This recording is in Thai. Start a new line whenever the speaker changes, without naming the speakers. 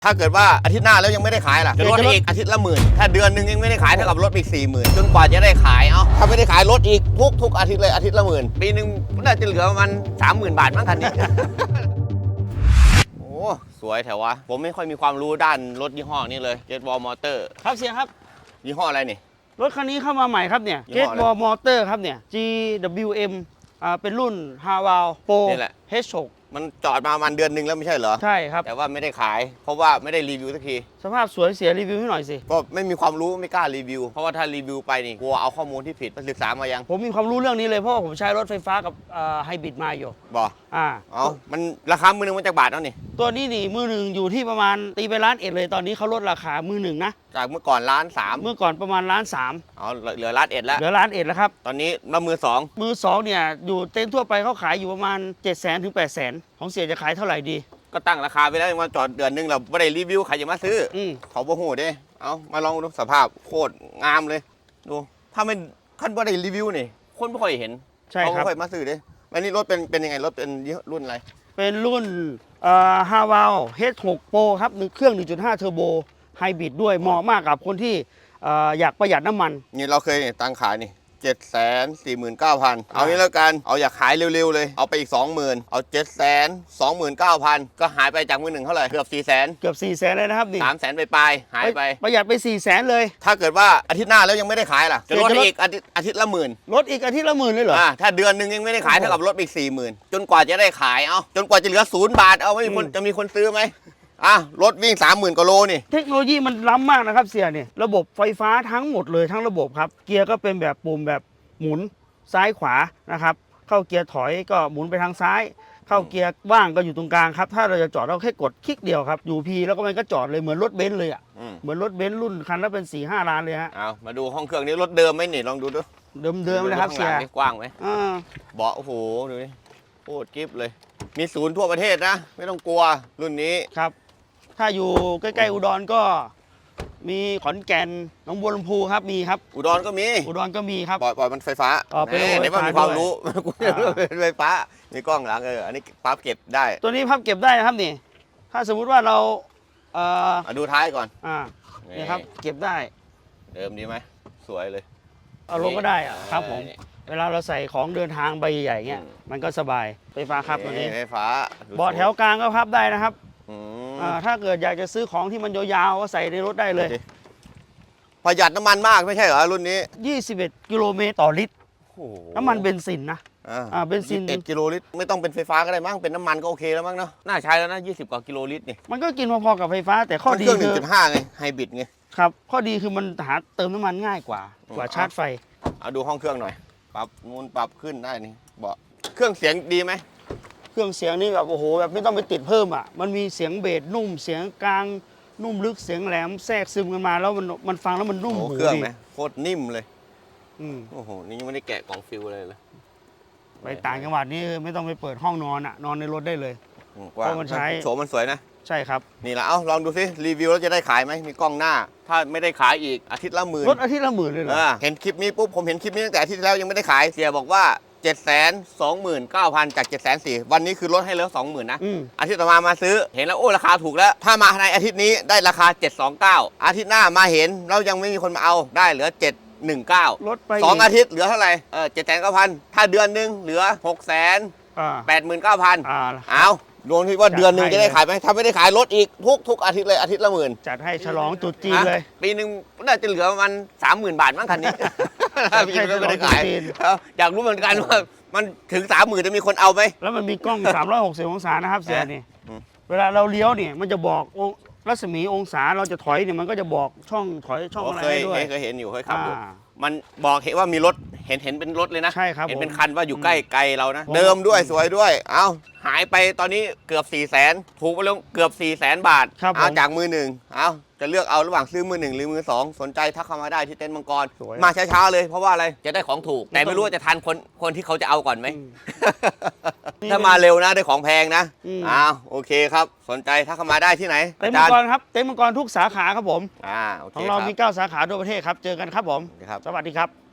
ถ้าเกิดว่าอาทิตย์หน้าแล้วยังไม่ได้ขายล่ะจะลดอีกอาทิตย์ละ10,000ถ้าเดือนหนึ่งยังไม่ได้ขายเท่ากับลดอีก40,000จนกว่าจะได้ขายถ้าไม่ได้ขายลดอีกทุกอาทิตย์เลยอาทิตย์ละ10,000ปีนึงน่าจะเหลือประมาณ30,000 บาทมั้งคันนี้ โอ้สวยแถววะผมไม่ค่อยมีความรู้ด้านรถยี่ห้อนี้เลยเจ็ตวอลมอเตอร์
ครับเสียครับ
ยี่ห้ออะไรนี่
รถคันนี้เข้ามาใหม่ครับเนี่ยเจ็ตวอลมอเตอร์ครับเนี่ย GWM เป็นรุ่น Haval Pro
นี่แหละ
H6
มันจอดมาประมาณเดือนหนึ่งแล้วไม่ใช่เหรอ
ใช่ครับ
แต่ว่าไม่ได้ขายเพราะว่าไม่ได้รีวิวสักที
สภาพสวยเสียรีวิวให้หน่อยสิ
ก็ไม่มีความรู้ไม่กล้ารีวิวเพราะว่าถ้ารีวิวไปนี่กลัวเอาข้อมูลที่ผิดไปศึกษามายัง
ผมมีความรู้เรื่องนี้เลยเพราะว่าผมใช้รถไฟฟ้ากับไฮบริดมาอยู่
บ่มันราคามือหนึ่งมันจากบาทแล้วนี่
ตัวนี้นี่มือหนึ่งอยู่ที่ประมาณตีไป1,100,000เลยตอนนี้เขาลดราคามือหนึ่งนะ
จากเมื่อก่อน1,300,000
เมื่อก่อนประมาณ1,300,000
เหลือ1,100,000แล้ว
เหลือ1,100,000แล้วครับ
ตอนนี้มามือสอง
เนี่ยอยู่เต็นท์ทั่วไปเขาขายอยู่ประมาณ700,000 ถึง 800,000ของเสียจะขายเท่าไหร่ดี
ก็ตั้งราคาไปแล้วมาจอดเดือนนึงเราไม่ได้รีวิวใครจะมาซื้อเขาบ่โหดเด้มาลองดูสภาพโคตรงามเลยดูถ้าไม่ขั้นไม่ได้รีวิวนี่คนไม่ค่อยเห็นเขาไม่ค่อยมาซื้อเด้อันนี้รถเป็นยังไงรถเป็นรุ่นอะไร
เป็นรุ่นHaval H6 Pro ครับเครื่อง 1.5 เทอร์โบไฮบริดด้วยเหมาะมากกับคนที่อยากประหยัดน้ำมัน
นี่เราเคยตั้งขายนี่749,000เอางี้แล้วกันเอาอยากขายเร็วๆเลยเอาไปอีก 20,000เอา729,000ก็หายไปจากมือหนึ่งเท่าไหร่เกือบ400,000
เกือบ400,000เลยนะครับนี่
300,000ไปหายไป
ประหยัดไป400,000เลย
ถ้าเกิดว่าอาทิตย์หน้าแล้วยังไม่ได้ขายล่ะจะลดอีกอาทิตย์ละ10,000
ลดอีกอาทิตย์ละ10,000เลยเหรอ
ถ้าเดือนนึงยังไม่ได้ขายเท่ากับลดอีก40,000จนกว่าจะได้ขายจนกว่าจะเหลือ0 บาทไม่มีคนจะมีคนซื้อไหมรถวิ่ง 30,000 กว่าโลนี่
เทคโนโลยีมันล้ำมากนะครับเสียนี่ระบบไฟฟ้าทั้งหมดเลยทั้งระบบครับเกียร์ก็เป็นแบบปุ่มแบบหมุนซ้ายขวานะครับเข้าเกียร์ถอยก็หมุนไปทางซ้ายเข้าเกียร์ว่างก็อยู่ตรงกลางครับถ้าเราจะจอดเราแค่กดคลิกเดียวครับอยู่พีแล้วก็มันก็จอดเลยเหมือนรถเบนซ์เลยเหมือนรถเบนซ์รุ่นคันละเป็น 4-5 ล้านเลยฮะ
มาดูห้องเครื่องนี้รถเดิมไหมนี่ลองดูดู
เดิมเลยครับเสีย
กว้างไหมเบาะโอ้โหดูนี่โคตรกิ๊บเลยมีศูนย์ทั่วประเทศนะไม่ต้องกลัวรุ่นนี้
ครับถ้าอยู่ใกล้ๆอุดรก็มีขอนแก่นหนองบัวลำพูครับมีครับ
อุดรก็มี
ครับ
ปล่อยมันไฟฟ้า
เป็น
ไหนว่ามีความรู้เป็นไฟฟ้ามีกล้องหลังอันนี้พับเก็บได้
ตัวนี้พับเก็บได้นะครับนี่ถ้าสมมุติว่าเรา
ดูท้ายก่อน
นี่ครับเก็บได้
เดิมดีไหมสวยเลย
เอาลงก็ได้ครับผมเวลาเราใส่ของเดินทางใบใหญ่ๆเงี้ยมันก็สบายไฟฟ้าครับตัวนี้
ไฟฟ้า
เบาะแถวกลางก็พับได้นะครับถ้าเกิดอยากจะซื้อของที่มันยาวๆก็ใส่ในรถได้เลย
ประหยัดน้ำมันมากไม่ใช่เหรอรุ่นนี้
21 กิโลเมตรต่อลิตรน้ำมันเบนซินนะ
เบนซิน21 กิโลลิตรไม่ต้องเป็นไฟฟ้าก็ได้มั้งเป็นน้ำมันก็โอเคแล้วมั้งเนาะน่าใช้แล้วนะ20 กว่ากิโลลิตรนี่
มันก็กินพอๆกับไฟฟ้าแต่ข้อดี
คือเครื่อง 1.5 ไงไฮบริดไง
ครับข้อดีคือมันหาเติมน้ำมันง่ายกว่าชาร์จไฟ
เอาดูห้องเครื่องหน่อยปรับนูนปรับขึ้นได้นี่เบาะเครื่องเสียงดีไหม
เครื่องเสียงนี่แบบโอ้โหแบบไม่ต้องไปติดเพิ่มมันมีเสียงเบสนุ่มเสียงกลางนุ่มลึกเสียงแหลมแทรกซึมกันมาแล้วมันฟังแล้วมันนุ่มหู
เครื่องไหมโคตรนิ่มเลยโอ้โหนี่ยังไม่ได้แกะกล่องฟิลเลย
ไปต่างจังหวัดนี่ไม่ต้องไปเปิดห้องนอนนอนในรถได้เลย
เพราะมันใช้โฉมมันสวยนะ
ใช่ครับ
นี่แหละลองดูสิรีวิวแล้วจะได้ขายไหมมีกล้องหน้าถ้าไม่ได้ขายอีกอาทิตย์ละ10,000
รถอาทิตย์ละ10,000เลยเหรอ
เห็นคลิปนี้ปุ๊บผมเห็นคลิปนี้ตั้งแต่อาทิตย์ที่แล้วยังไม่ได้ขายเสียบอกว่า729,000 จาก740,000วันนี้คือลดให้เหลือ 20,000 นะอาทิตย์ต่อมาซื้อเห็นแล้วโอ้ราคาถูกแล้วถ้ามาในอาทิตย์นี้ได้ราคา729อาทิตย์หน้ามาเห็นแล้วยังไม่มีคนมาเอาได้เหลือ719
ลดไป
2อาทิตย์เหลือเท่าไหร่7,900ถ้าเดือนนึงเหลือ689,000เอารวมที่ว่าเดือนนึงจะได้ขายไหมถ้าไม่ได้ขายลดอีกทุกอาทิตย์เลยอาทิตย์ละ10,000
จัดให้ฉลองตรุษจีนเลย
ปีนึงน่าจะเหลือประมาณ30,000 บาทมั้งคันนี้พี่ไม่ได้ขายอยากรู้เหมือนกันว่ามันถึง30,000จะมีคนเอาไหม
แล้วมันมีกล้อง360 องศานะครับเสียนี่เวลาเราเลี้ยวเนี่ยมันจะบอกรัศมีองศาเราจะถอยเนี่ยมันก็จะบอกช่องถอยช่องอะไรด้วย
เคยเห็นอยู่เคยขับอยู่มันบอกเห็นว่ามีรถเห็นเป็นรถเลยนะ
ใช่ครับ
เห็นเป็นคันว่าอยู่ใกล้ไกลเรานะเดิมด้วยสวยด้วยหายไปตอนนี้เกือบ400,000ถูกไปแล้วเกือบ400,000 บาทจากมือหนึ่งจะเลือกเอาระหว่างซื้อมือหนึ่งหรือมือสองสนใจทักเข้ามาได้ที่เต็นท์มังกรมาช้าๆเลยเพราะว่าอะไรจะได้ของถูกแต่ไม่รู้ว่าจะทันคนที่เขาจะเอาก่อนไหมถ้ามาเร็วนะได้ของแพงนะโอเคครับสนใจทักเข้ามาได้ที่ไหน
เต็นท์มังกรครับเต็นท์มังกรทุกสาขาครับผม
โอเค
ของเรามี9 สาขาทั่วประเทศครับเจอกันครับผมสวัสดีครับ